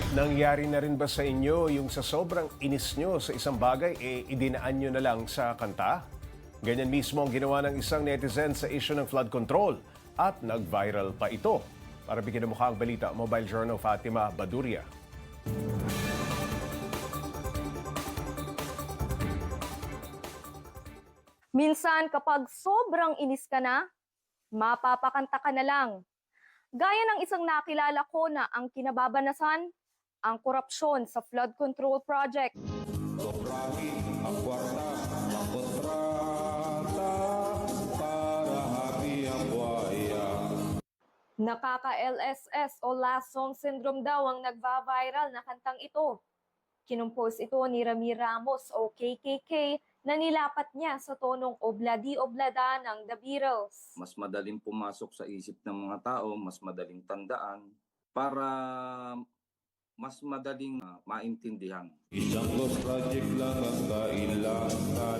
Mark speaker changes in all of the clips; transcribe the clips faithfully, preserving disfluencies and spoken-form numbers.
Speaker 1: Nangyari na rin ba sa inyo yung sa sobrang inis nyo sa isang bagay, eh idinaan nyo na lang sa kanta? Ganyan mismo ang ginawa ng isang netizen sa issue ng flood control at nag-viral pa ito. Para bigyan ng mukha ang balita, Mobile Journal Fatima Baduria.
Speaker 2: Minsan kapag sobrang inis ka na, mapapakanta ka na lang. Gaya ng isang nakilala ko na ang kinababanasan, ang korupsyon sa flood control project.
Speaker 3: Sobrahi ang kwarta ng kontrata para happy ang buhaya.
Speaker 2: Nakaka-L S S o last song syndrome daw ang nagva-viral na kantang ito. Kinumpos ito ni Ramir Ramos o K K K na nilapat niya sa tonong obladi-oblada ng The Beatles.
Speaker 4: Mas madaling pumasok sa isip ng mga tao, mas madaling tandaan, para mas madaling uh, maintindihan.
Speaker 3: Isang ghost project lang ang kailangan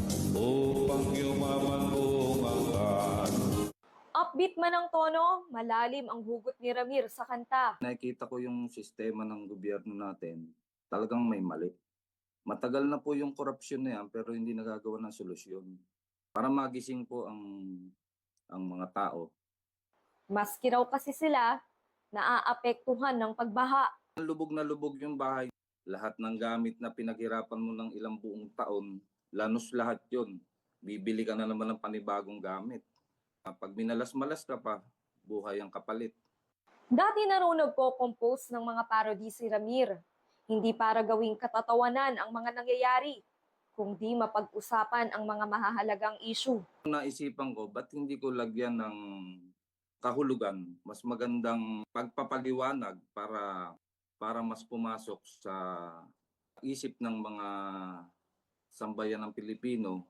Speaker 3: upang yumaman buong angkan.
Speaker 2: Upbeat man ang tono, malalim ang hugot ni Ramir sa kanta.
Speaker 4: Nakikita ko yung sistema ng gobyerno natin, talagang may mali. Matagal na po yung korupsyon na yan pero hindi nagagawa ng solusyon. Para magising po ang, ang mga tao.
Speaker 2: Maski raw kasi sila, naaapektuhan ng pagbaha.
Speaker 4: Lubog na lubog yung bahay. Lahat ng gamit na pinaghirapan mo ng ilang buong taon, lanos lahat yun. Bibili ka na naman ng panibagong gamit. Pag minalas-malas ka pa, buhay ang kapalit.
Speaker 2: Dati na raw nagko-compose ng mga parody si Ramir. Hindi para gawing katatawanan ang mga nangyayari, kundi mapag-usapan ang mga mahahalagang issue.
Speaker 4: Naisipan ko, ba't hindi ko lagyan ng kahulugan? Mas magandang pagpapaliwanag para para mas pumasok sa isip ng mga sambayan ng Pilipino.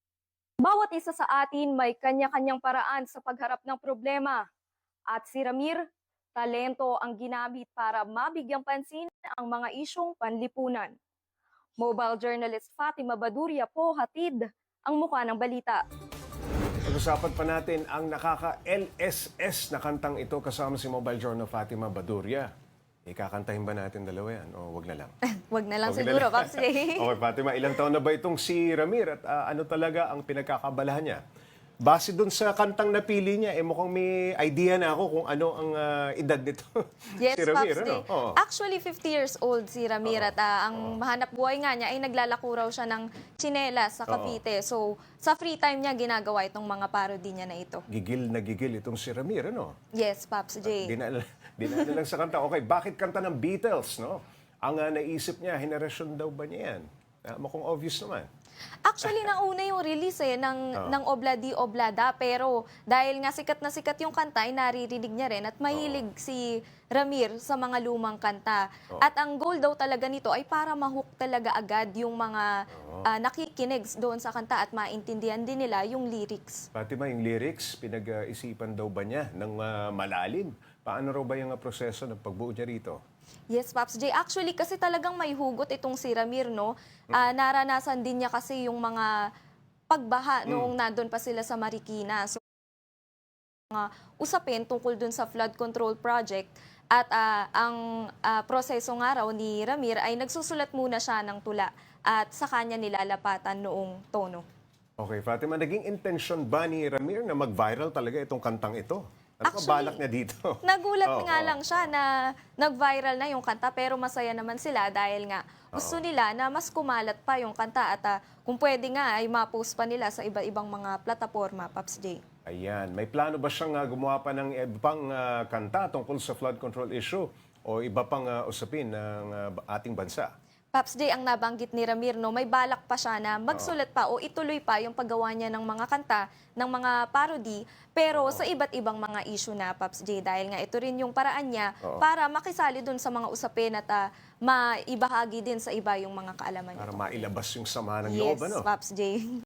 Speaker 2: Bawat isa sa atin may kanya-kanyang paraan sa pagharap ng problema. At si Ramir, talento ang ginamit para mabigyang pansin ang mga isyong panlipunan. Mobile journalist Fatima Baduria po hatid ang mukha ng balita.
Speaker 1: Pag-usapan pa natin ang nakaka-L S S na kantang ito kasama si Mobile Journal Fatima Baduria. Ikakantahin ba natin dalawa yan o wag na lang?
Speaker 2: Wag na lang
Speaker 1: Wag na
Speaker 2: siguro,
Speaker 1: lang.
Speaker 2: Paps J.
Speaker 1: Okay, Fatima, ilang taon na ba itong si Ramir at ah, ano talaga ang pinagkakabalahan niya? Base dun sa kantang napili niya, eh mukhang may idea na ako kung ano ang ah, edad nito.
Speaker 2: Yes,
Speaker 1: si Ramir,
Speaker 2: Paps
Speaker 1: ano?
Speaker 2: J.
Speaker 1: Oo.
Speaker 2: Actually, fifty years old si Ramir at ah, ang mahanap buhay nga niya ay naglalako raw siya ng tsinelas sa Cavite. So, sa free time niya ginagawa itong mga parody niya na ito.
Speaker 1: Gigil na gigil itong si Ramir, ano?
Speaker 2: Yes, Paps J.
Speaker 1: Dinala, dinala lang sa kanta. Okay, bakit kanta ng Beatles, no? Ang ah, naisip niya, henerasyon daw ba niya yan? Uh, mukhang obvious naman.
Speaker 2: Actually, nauna yung release eh, ng, ng Obladi Oblada. Pero dahil nga sikat na sikat yung kanta, ay naririnig niya rin. At mahilig si Ramir sa mga lumang kanta. At ang goal daw talaga nito ay para mahook talaga agad yung mga ah, nakikinig doon sa kanta at maintindihan din nila yung lyrics.
Speaker 1: Fatima, yung lyrics, pinag-isipan daw ba niya ng ah, malalim? Paano raw ba yung ah, proseso ng pagbuo niya rito?
Speaker 2: Yes, Paps J. Actually, kasi talagang may hugot itong si Ramir, no? Ah, naranasan din niya kasi yung mga pagbaha noong nandun pa sila sa Marikina. So, mga usapin tungkol dun sa flood control project. At ah, ang ah, proseso nga raw ni Ramir ay nagsusulat muna siya ng tula at sa kanya nilalapatan noong tono.
Speaker 1: Okay, Fatima, naging intensyon ba ni Ramir na mag-viral talaga itong kantang ito? Ano ba balak niya dito?
Speaker 2: Nagulat
Speaker 1: Oo,
Speaker 2: nga
Speaker 1: oo.
Speaker 2: lang siya na nag-viral na yung kanta pero masaya naman sila dahil nga gusto nila na mas kumalat pa yung kanta at ah, kung pwede nga ay ma-post pa nila sa iba-ibang mga plataforma, Paps J.
Speaker 1: Ayan, may plano ba siyang ah, gumawa pa ng ibang ah, kanta tungkol sa flood control issue o iba pang ah, usapin ng ah, ating bansa?
Speaker 2: Paps J, ang nabanggit ni Ramir, no, may balak pa siya na magsulat pa o ituloy pa yung paggawa niya ng mga kanta, ng mga parody, pero sa iba't ibang mga issue na, Paps J, dahil nga ito rin yung paraan niya
Speaker 1: Oo.
Speaker 2: para makisali dun sa mga usapin at ah, maibahagi din sa iba yung mga kaalaman niya.
Speaker 1: Para mailabas yung sama ng
Speaker 2: Yes,
Speaker 1: loob, ano?
Speaker 2: Paps J.